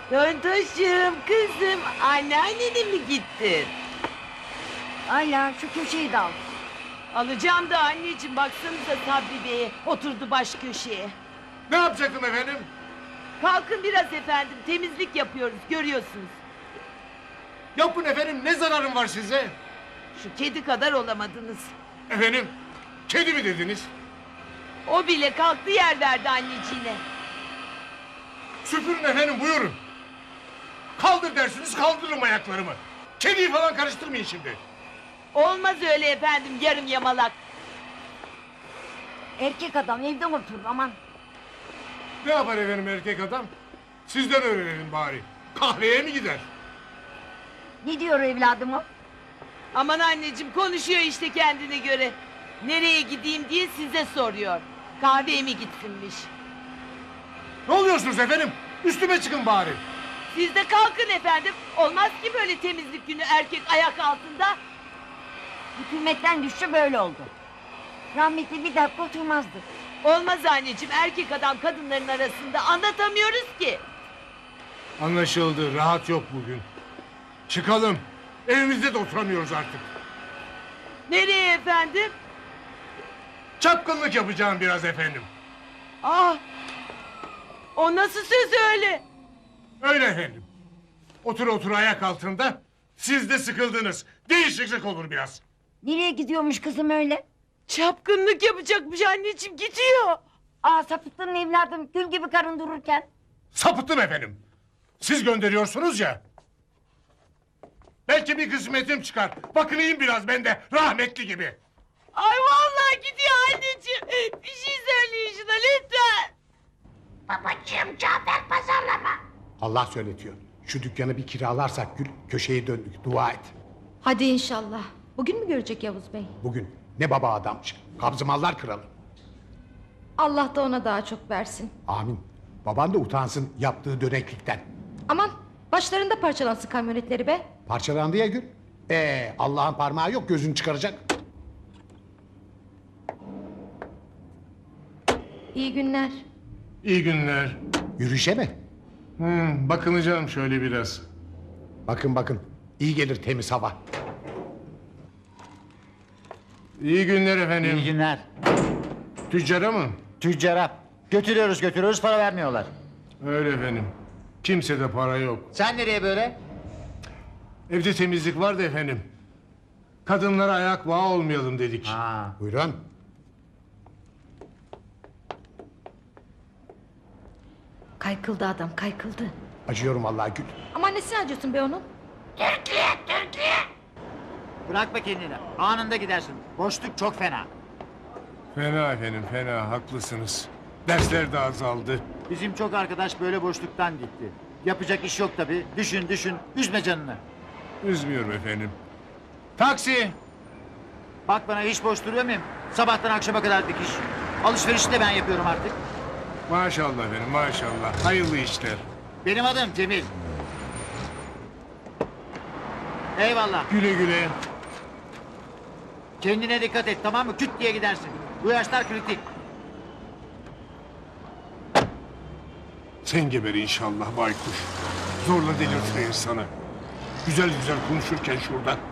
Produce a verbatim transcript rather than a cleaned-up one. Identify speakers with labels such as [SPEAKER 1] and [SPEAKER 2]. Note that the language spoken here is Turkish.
[SPEAKER 1] Tontoşum, kızım, anneannene mi gittin?
[SPEAKER 2] Ayla şu köşeyi de al.
[SPEAKER 1] Alacağım da anneciğim, baksanıza Sabri Bey'e, oturdu baş köşeye.
[SPEAKER 3] Ne yapacaktım efendim?
[SPEAKER 1] Kalkın biraz efendim, temizlik yapıyoruz, görüyorsunuz.
[SPEAKER 3] Yapın efendim, ne zararım var size?
[SPEAKER 1] Şu kedi kadar olamadınız.
[SPEAKER 3] Efendim, kedi mi dediniz?
[SPEAKER 1] O bile kalktı, yer verdi anneciğine.
[SPEAKER 3] Süpürün efendim, buyurun. Kaldır dersiniz, kaldırırım ayaklarımı. Kediyi falan karıştırmayın şimdi.
[SPEAKER 1] Olmaz öyle efendim, yarım yamalak.
[SPEAKER 2] Erkek adam evde otur aman.
[SPEAKER 3] Ne yapar efendim erkek adam? Sizden öğrenelim bari. Kahveye mi gider?
[SPEAKER 2] Ne diyor evladım o?
[SPEAKER 1] Aman anneciğim, konuşuyor işte kendine göre. Nereye gideyim diye size soruyor. Kahveye mi gitsinmiş?
[SPEAKER 3] Ne oluyorsunuz efendim? Üstüme çıkın bari.
[SPEAKER 1] Siz de kalkın efendim. Olmaz ki böyle temizlik günü erkek ayak altında.
[SPEAKER 2] Hükümetten düştü böyle oldu. Rahmetli bir dakika oturmazdı.
[SPEAKER 1] Olmaz anneciğim, erkek adam kadınların arasında, anlatamıyoruz ki.
[SPEAKER 3] Anlaşıldı, rahat yok bugün. Çıkalım. Evimizde de oturamıyoruz artık.
[SPEAKER 1] Nereye efendim?
[SPEAKER 3] Çapkınlık yapacağım biraz efendim.
[SPEAKER 1] Ah! O nasıl söz öyle?
[SPEAKER 3] Öyle efendim. Otur otur ayak altında. Siz de sıkıldınız. Değişiklik olur biraz.
[SPEAKER 2] Nereye gidiyormuş kızım öyle?
[SPEAKER 1] Çapkınlık yapacakmış anneciğim, gidiyor.
[SPEAKER 2] Aa sapıttın evladım gül gibi karın dururken.
[SPEAKER 3] Sapıttım efendim. Siz gönderiyorsunuz ya. Belki bir kısmetim çıkar. Bakınayım biraz ben de rahmetli gibi.
[SPEAKER 1] Ay vallahi gidiyor anneciğim. Bir şey söyleyin şuna lütfen.
[SPEAKER 2] Babacığım Cafer pazarlama.
[SPEAKER 4] Allah söyletiyor. Şu dükkanı bir kiralarsak Gül, köşeye döndük. Dua et.
[SPEAKER 5] Hadi inşallah. Bugün mü görecek Yavuz Bey?
[SPEAKER 4] Bugün ne baba adammış. Kabzımallar kralı.
[SPEAKER 5] Allah da ona daha çok versin.
[SPEAKER 4] Amin. Baban da utansın yaptığı döneklikten.
[SPEAKER 5] Aman başlarında parçalansın kamyonetleri be.
[SPEAKER 4] Parçalandı ya Gül. Ee, Allah'ın parmağı yok, gözünü çıkaracak.
[SPEAKER 5] İyi günler.
[SPEAKER 3] İyi günler.
[SPEAKER 4] Yürüyüşe mi?
[SPEAKER 3] Hmm, bakınacağım şöyle biraz.
[SPEAKER 4] Bakın bakın. İyi gelir temiz hava.
[SPEAKER 3] İyi günler efendim.
[SPEAKER 6] İyi günler.
[SPEAKER 3] Tüccara mı?
[SPEAKER 6] Tüccara. Götürüyoruz götürüyoruz para vermiyorlar.
[SPEAKER 3] Öyle efendim. Kimsede para yok.
[SPEAKER 6] Sen nereye böyle?
[SPEAKER 3] Evde temizlik var da efendim. Kadınlara ayak bağı olmayalım dedik.
[SPEAKER 6] Ha.
[SPEAKER 4] Buyurun.
[SPEAKER 5] Kaykıldı adam kaykıldı.
[SPEAKER 4] Acıyorum vallahi Gül.
[SPEAKER 5] Aman nesine acıyorsun be onun?
[SPEAKER 6] Bırakma kendini. Anında gidersin. Boşluk çok fena.
[SPEAKER 3] Fena efendim fena, haklısınız. Dersler de azaldı.
[SPEAKER 6] Bizim çok arkadaş böyle boşluktan gitti. Yapacak iş yok tabii. Düşün düşün. Üzme canını.
[SPEAKER 3] Üzmüyorum efendim. Taksi!
[SPEAKER 6] Bak bana hiç boş duruyor muyum? Sabahtan akşama kadar dikiş. Alışverişi de ben yapıyorum artık.
[SPEAKER 3] Maşallah efendim maşallah. Hayırlı işler.
[SPEAKER 6] Benim adım Cemil. Eyvallah.
[SPEAKER 3] Güle güle.
[SPEAKER 6] Kendine dikkat et tamam mı? Küt diye gidersin. Bu yaşlar kritik.
[SPEAKER 3] Sen geber inşallah baykuş. Zorla delirtir insanı. Güzel güzel konuşurken şurada.